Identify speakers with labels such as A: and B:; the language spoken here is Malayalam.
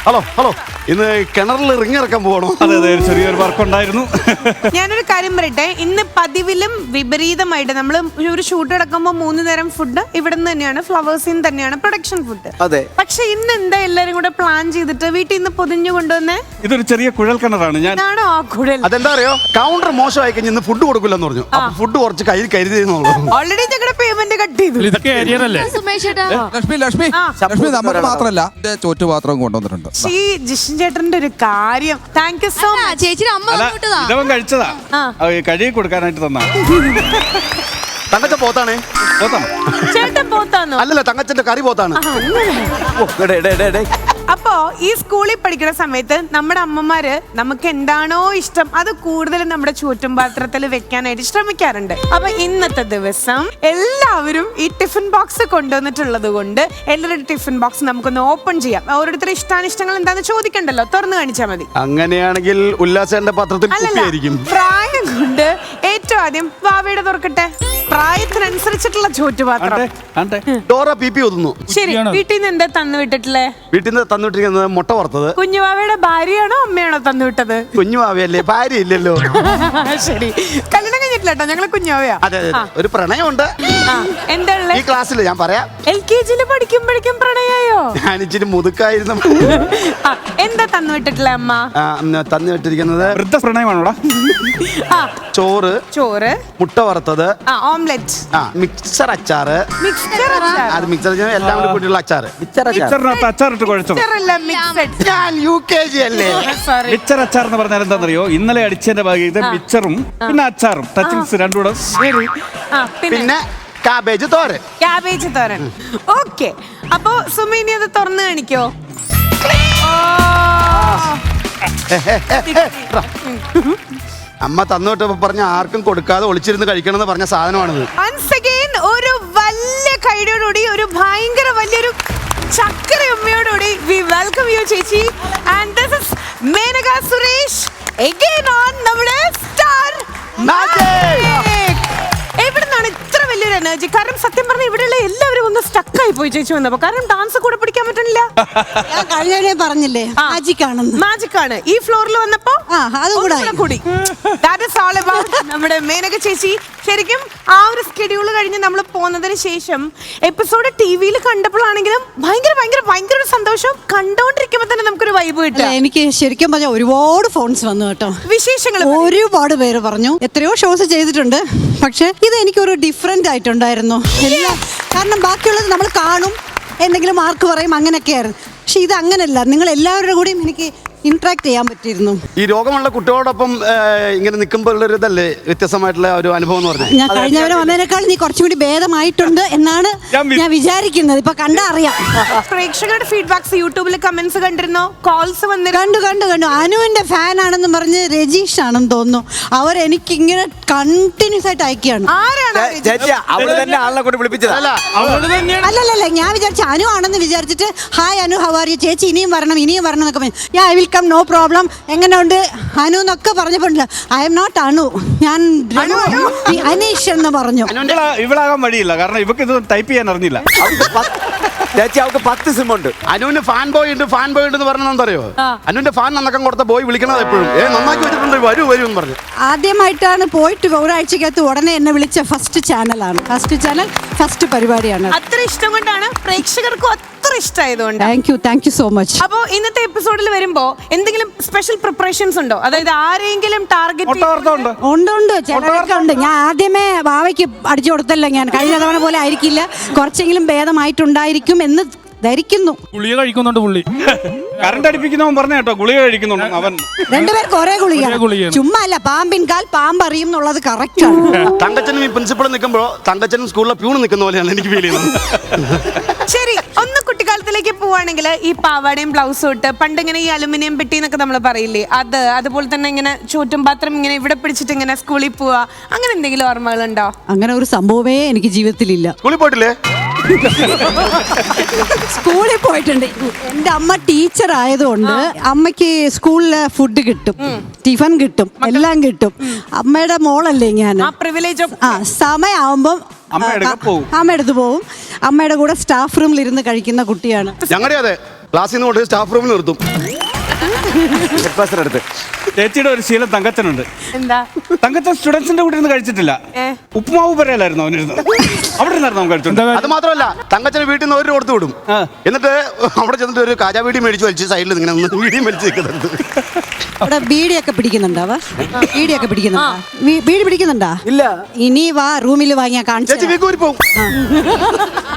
A: ഹലോ ഹലോ, ഇന്ന് കിണറിൽ റിങ് ഇറക്കാൻ പോകണോ?
B: അതെ അതെ, ചെറിയൊരു വർക്ക് ഉണ്ടായിരുന്നു.
C: ഞാനൊരു കാര്യം പറയട്ടെ, ഇന്ന് പതിവിലും വിപരീതമായിട്ട് നമ്മൾ ഒരു ഷൂട്ട് എടുക്കുമ്പോൾ 3 നേരം ഫുഡ് ഇവിടെ നിന്ന് തന്നെയാണ്, ഫ്ലവേഴ്സിൽ നിന്ന് തന്നെയാണ് പ്രൊഡക്ഷൻ ഫുഡ്.
A: അതെ.
C: പക്ഷെ ഇന്ന് എന്താ എല്ലാരും കൂടെ പ്ലാൻ ചെയ്തിട്ട് വീട്ടിൽ നിന്ന് പൊതിഞ്ഞു കൊണ്ടുവന്നേ?
B: ഇതൊരു ചെറിയ കുഴൽ കിണറാണ്. ഞാൻ
C: ആണോ ആ കുഴൽ?
A: അതെന്താ അറിയോ, കൗണ്ടർ മോശമായി കഴിഞ്ഞ് ഇന്ന് ഫുഡ് കൊടുക്കില്ലെന്ന് പറഞ്ഞു. അപ്പൊ ഫുഡ് കുറച്ച് കയ്യിൽ കരുതിയെന്നുള്ളൂ.
C: ഓൾറെഡി ഞങ്ങളുടെ പേയ്മെന്റ് കട്ട് ചെയ്തു.
D: ഇതൊക്കെ ഏരിയനല്ലേ?
E: ലക്ഷ്മി നമുക്ക് മാത്രല്ല ചോറ്റുപാത്രം കൊണ്ടുവന്നിട്ടുണ്ട്.
C: ജിഷൻ ചേട്ടന്റെ ഒരു കാര്യം, താങ്ക് യു സോ മച്ച്.
F: ചേച്ചിയുടെ അമ്മ കൊണ്ടുവിട്ടതാ.
B: ഇതവൻ കഴിച്ചതാ, കഴുകി കൊടുക്കാനായിട്ട് തന്നാ.
A: തങ്കച്ച പോത്താണേ.
B: പോത്താ
C: ചേട്ടൻ പോത്താന്നോ?
A: അല്ലല്ല, തങ്കച്ചന്റെ കറി പോത്താണ്.
C: അപ്പോ ഈ സ്കൂളിൽ പഠിക്കുന്ന സമയത്ത് നമ്മുടെ അമ്മമാര് നമുക്ക് എന്താണോ ഇഷ്ടം അത് കൂടുതലും നമ്മുടെ ചുറ്റും പാത്രത്തിൽ വെക്കാനായിട്ട് ശ്രമിക്കാറുണ്ട്. അപ്പൊ ഇന്നത്തെ ദിവസം എല്ലാവരും ഈ ടിഫിൻ ബോക്സ് കൊണ്ടുവന്നിട്ടുള്ളത് കൊണ്ട് എല്ലാവരുടെ ടിഫിൻ ബോക്സ് നമുക്കൊന്ന് ഓപ്പൺ ചെയ്യാം. ഓരോരുത്തരുടെ ഇഷ്ടാനിഷ്ടങ്ങൾ എന്താന്ന് ചോദിക്കണ്ടല്ലോ, തുറന്നു കാണിച്ചാൽ മതി.
A: അങ്ങനെയാണെങ്കിൽ ഉല്ലാസന്റെ പാത്രത്തിൽ കുപ്പിയായിരിക്കും.
C: പ്രായം കൊണ്ട് ഏറ്റവും ആദ്യം വാവയുടെ തുറക്കട്ടെ. പ്രായത്തിനനുസരിച്ചിട്ടുള്ള ചോറ്റുപാത്രം.
A: ഡോറ പി ഒതുന്നു.
C: ശരി, വീട്ടിൽ നിന്ന് എന്താ തന്നു വിട്ടിട്ടില്ലേ?
A: വീട്ടിൽ നിന്ന് തന്നിട്ടിരിക്കുന്നത് മുട്ട വറുത്തത്.
C: കുഞ്ഞുവാവയുടെ ഭാര്യയാണോ അമ്മയാണോ തന്നുവിട്ടത്?
A: കുഞ്ഞുവാവയല്ലേ, ഭാര്യ ഇല്ലല്ലോ.
C: ശരി, കല്യാണം കഴിഞ്ഞിട്ടില്ല കേട്ടോ, ഞങ്ങള് കുഞ്ഞുവാവയാ.
A: അതെ അതെ, ഒരു പ്രണയമുണ്ട്.
C: എന്താ
A: ഈ ക്ലാസ്സിൽ ഞാൻ പറയാം.
C: LKG പഠിക്കുമ്പോഴേക്കും പ്രണയായോ?
A: ഞാൻ ഇച്ചിരി മുതുക്കായിരുന്നു.
C: എന്താ തന്നുവിട്ടിട്ടില്ല അമ്മ?
A: തന്നിട്ടിരിക്കുന്നത്
B: വൃദ്ധ പ്രണയമാണോടാ?
A: ചോറ്,
C: ചോറ്,
A: മുട്ട വറുത്തത്,
C: ഓംലെറ്റ്,
A: മിക്സർ അച്ചാറ്.
C: മിക്സർ
A: അത് മിക്സർ എല്ലാം കൂടി കൂട്ടിയുള്ള അച്ചാറ്.
B: മിച്ചറിനകത്ത് അച്ചാറിട്ട് കുഴച്ചോ?
A: ഞാൻ UKG അല്ലേ.
B: മിച്ചർ അച്ചാർ എന്ന് പറഞ്ഞാൽ എന്താണെന്നറിയോ? ഇന്നലെ അടിച്ചതിന്റെ ഭാഗത്ത് മിച്ചറും പിന്നെ അച്ചാറും ടച്ചിങ്സ് രണ്ടും കൂടെ.
A: പിന്നെ കാബേജ് തോരൻ.
C: ക്യാബേജ് തോരൻ. ഓക്കെ, അപ്പൊ സുമിനി അത് തുറന്നു കാണിക്കോ?
A: അമ്മ തന്നോട്ട് പറഞ്ഞ ആർക്കും കൊടുക്കാതെ ഒളിച്ചിരുന്ന് കഴിക്കണമെന്ന് പറഞ്ഞ സാധനമാണിത്.
C: Once again, ഒരു വലിയ കൈയോടുകൂടി, ഒരു ഭയങ്കര വലിയൊരു ചക്കര ഉമ്മയോടുകൂടി we welcome you ചേച്ചി. And this is Menaka Suresh again on നമ്മുടെ സ്റ്റാർ മാജിക്. എവിടുന്നാണ് ഇത്ര വലിയൊരു എനർജി? കാരണം സത്യം പറഞ്ഞാൽ ഇവിടെയുള്ള എല്ലാവരും ഒന്ന് സ്റ്റക്ക് ആയി പോയി ചേച്ചി വന്നപ്പോ. കാരണം ഡാൻസ് കൂടെ പിടിക്കാൻ പറ്റുന്നില്ല.
F: ഞാൻ കഴിഞ്ഞ പറഞ്ഞില്ലേ മാജിക് ആണെന്ന്.
C: മാജിക് ആണ്. ഈ ഫ്ലോറിൽ വന്നപ്പോ കൂടി That is all about നമ്മുടെ മേനക ചേച്ചി. ശരിക്കും ആ ഒരു സ്കെഡ്യൂൾ കഴിഞ്ഞ് നമ്മൾ പോന്നതിന് ശേഷം എപ്പിസോഡ് ടിവിയിൽ കണ്ടപ്പോഴാണെങ്കിലും ഭയങ്കര ഭയങ്കര ഭയങ്കര ഒരു സന്തോഷം. കണ്ടോണ്ടിരിക്കുമ്പോ തന്നെ നമുക്കൊരു വൈബ് കിട്ടും.
F: എനിക്ക് ശരിക്കും പറഞ്ഞാൽ ഒരുപാട് ഫോൺസ് വന്നു കേട്ടോ,
C: വിശേഷങ്ങൾ
F: ഒരുപാട് പേര് പറഞ്ഞു. എത്രയോ ഷോസ് ചെയ്തിട്ടുണ്ട്, പക്ഷെ ഇത് എനിക്കൊരു ഡിഫറെന്റ് ആയിട്ടുണ്ടായിരുന്നു എല്ലാം. കാരണം ബാക്കിയുള്ളത് നമ്മൾ കാണും, എന്തെങ്കിലും മാർക്ക് പറയും, അങ്ങനെയൊക്കെയായിരുന്നു. പക്ഷെ ഇത് അങ്ങനെയല്ല, നിങ്ങൾ എല്ലാവരുടെ കൂടെയും എനിക്ക് ഇന്ററാക്ട് ചെയ്യാൻ പറ്റിയിരുന്നു.
A: ഈ രോഗമുള്ള കുട്ടികളോടൊപ്പം ഇങ്ങനെ നിൽക്കുമ്പോൾ ഒരു ഇതല്ലേ വ്യത്യസ്തമായിട്ടുള്ള ഒരു അനുഭവം എന്ന് പറഞ്ഞാൽ.
F: ഞാൻ കഴിഞ്ഞവരെ വന്നതിനേക്കാൾ നീ കുറച്ചും കൂടി ഭേദമായിട്ടുണ്ട് എന്നാണ് ഞാൻ വിചാരിക്കുന്നത്. ഇപ്പൊ കണ്ടാ അറിയാം.
C: പ്രേക്ഷകരുടെ ഫീഡ്ബാക്സ് യൂട്യൂബിൽ കമന്റ്സ് കണ്ടിരുന്നോ? കോൾസ്
F: കണ്ടു. അനുവിന്റെ ഫാൻ ആണെന്ന് പറഞ്ഞ് രജീഷ് ആണെന്ന് തോന്നുന്നു. അവർ എനിക്ക് ഇങ്ങനെ കണ്ടിന്യൂസ് ആയിട്ട് അയക്കുകയാണ്. അല്ലല്ല, ഞാൻ വിചാരിച്ചു അനു ആണെന്ന് വിചാരിച്ചിട്ട് hi Anu how are you ചേച്ചി, ഇനിയും വരണം എന്നൊക്കെ പറഞ്ഞു. I will come, no problem. എങ്ങനെയുണ്ട് അനു എന്നൊക്കെ പറഞ്ഞപ്പോഴല്ല, ഐ എം നോട്ട് അനു, ഞാൻ അനീഷ് എന്ന് പറഞ്ഞു.
B: ഇവളാകാൻ വഴിയില്ല, കാരണം ഇവക്ക് ഇത് ടൈപ്പ് ചെയ്യാൻ അറിഞ്ഞില്ല.
G: ചേച്ചി അവർക്ക് 10 സിം ഉണ്ട്.
A: അനുവിന് ഫാൻ ബോയ് ഉണ്ട് എന്ന് പറഞ്ഞറിയോ? അനുവിന്റെ ഫാൻ നന്നക്കം കൊടുത്ത ബോയ് വിളിക്കണത് എപ്പോഴും നന്നാക്കി വെച്ചിട്ടുണ്ട്, വരൂ എന്ന് പറഞ്ഞു.
F: ആദ്യമായിട്ടാണ് പോയിട്ട് ഒരാഴ്ചക്കകത്ത് ഉടനെ എന്നെ വിളിച്ച ഫസ്റ്റ് ചാനലാണ്, ഫസ്റ്റ് പരിപാടിയാണ്.
C: അത്ര ഇഷ്ടം കൊണ്ടാണ്, പ്രേക്ഷകർക്കും അത്ര ഇഷ്ടമായതുകൊണ്ട്.
F: Thank you so much.
C: അപ്പോ ഇന്നത്തെ എപ്പിസോഡിൽ വരുമ്പോ എന്തെങ്കിലും സ്പെഷ്യൽ പ്രിപ്പറേഷൻസ് ഉണ്ടോ? അതായത് ആരെങ്കിലും ടാർഗറ്റ്
F: ഉണ്ട്, ചിലരൊക്കെ ഉണ്ട്. ഞാൻ ആദ്യമേ വാവയ്ക്ക് അടിച്ചു കൊടുത്തല്ലോ, ഞാൻ കഴിഞ്ഞ തവണ പോലെ ആയിരിക്കില്ല, കുറച്ചെങ്കിലും ഭേദമായിട്ടുണ്ടായിരിക്കും എന്ന് ധരിക്കുന്നു.
D: ഗുളിക കഴിക്കുന്നുണ്ട് പുള്ളി.
B: കറണ്ട് അടിപ്പിക്കുന്നവൻ പറഞ്ഞ കേട്ടോ, ഗുളിക കഴിക്കുന്നുണ്ട് അവൻ.
F: രണ്ടുപേർക്ക് ഒരേ ഗുളിക, ചുമ്മാ അല്ല. പാമ്പിൻ കാൽ പാമ്പറിയും എന്നുള്ളത് കറക്റ്റ് ആണ്.
A: തങ്കച്ചനും ഈ പ്രിൻസിപ്പൾ നിൽക്കുമ്പോ തങ്കച്ചനും സ്കൂളിലെ പ്യൂണ് നിൽക്കുന്ന പോലെയാണ് എനിക്ക് ഫീൽ ചെയ്യുന്നത്.
C: ശരി, ഒന്ന് കുട്ടിക്കാലത്തിലേക്ക് പോവാണെങ്കിൽ ഈ പാവാടയും ബ്ലൗസും ഇട്ട് പണ്ട് ഇങ്ങനെ ഈ അലുമിനിയം പെട്ടി എന്നൊക്കെ നമ്മൾ പറയില്ലേ, അതുപോലെ തന്നെ ഇങ്ങനെ ചോറ്റും പാത്രം ഇങ്ങനെ ഇവിടെ പിടിച്ചിട്ട് ഇങ്ങനെ സ്കൂളിൽ പോവാ, അങ്ങനെ എന്തെങ്കിലും ഓർമ്മകളുണ്ടോ?
F: അങ്ങനെ ഒരു സംഭവമേ എനിക്ക് ജീവിതത്തിലില്ല.
A: സ്കൂളിൽ പോയിട്ടില്ലേ?
F: സ്കൂളിൽ പോയിട്ടുണ്ട്. എന്റെ അമ്മ ടീച്ചർ ആയതുകൊണ്ട് അമ്മയ്ക്ക് സ്കൂളില് ഫുഡ് കിട്ടും, ടിഫൻ കിട്ടും, എല്ലാം കിട്ടും. അമ്മയുടെ മോളല്ലേ ഞാൻ. സമയമാവുമ്പം അമ്മ എടുത്ത് പോവും. അമ്മയുടെ കൂടെ സ്റ്റാഫ് റൂമിൽ ഇരുന്ന് കഴിക്കുന്ന കുട്ടിയാണ്.
A: ഞങ്ങളുടെ അതെ ക്ലാസ്സിൽ നിന്ന് കൊണ്ട് സ്റ്റാഫ് റൂമിൽ നിർത്തും.
G: ഹെഡ്മാസ്റ്റർ അടുത്ത്
B: ചേച്ചിയുടെ ഒരു ശീലം തങ്കച്ചനുണ്ട്.
C: എന്താ
B: തങ്കച്ചൻ സ്റ്റുഡൻസിന്റെ കൂടെ ഇരുന്ന് കഴിച്ചിട്ടില്ല. ഉപ്പുമാവ് പറയലായിരുന്നു അവനിരുന്ന്. അവിടെ ഇരുന്നായിരുന്നു അവൻ കഴിച്ചോണ്ട്.
A: അത് മാത്രമല്ല തങ്കച്ചന് വീട്ടിൽ നിന്ന് ഒരു കൊടുത്തു വിടും.
B: ആ.
A: എന്നിട്ട് അവിടെ ചെന്നിട്ട് ഒരു കാജാ വീടി മേടിച്ച് വലിച്ച് സൈഡിൽ ഇങ്ങനെ ഒന്ന് വീടിയും വലിച്ച് നിൽക്കുന്നത്.
F: അവിടെ ബീഡിയൊക്കെ പിടിക്കുന്നുണ്ടാവാ? ബീഡിയൊക്കെ പിടിക്കുന്നുണ്ടാ? ബീഡി പിടിക്കുന്നുണ്ടാ?
G: ഇല്ല.
F: ഇനി വാ റൂമിൽ വാങ്ങിയാ കാണിച്ചു
A: ചേച്ചി വീക്കൂരി പോവും.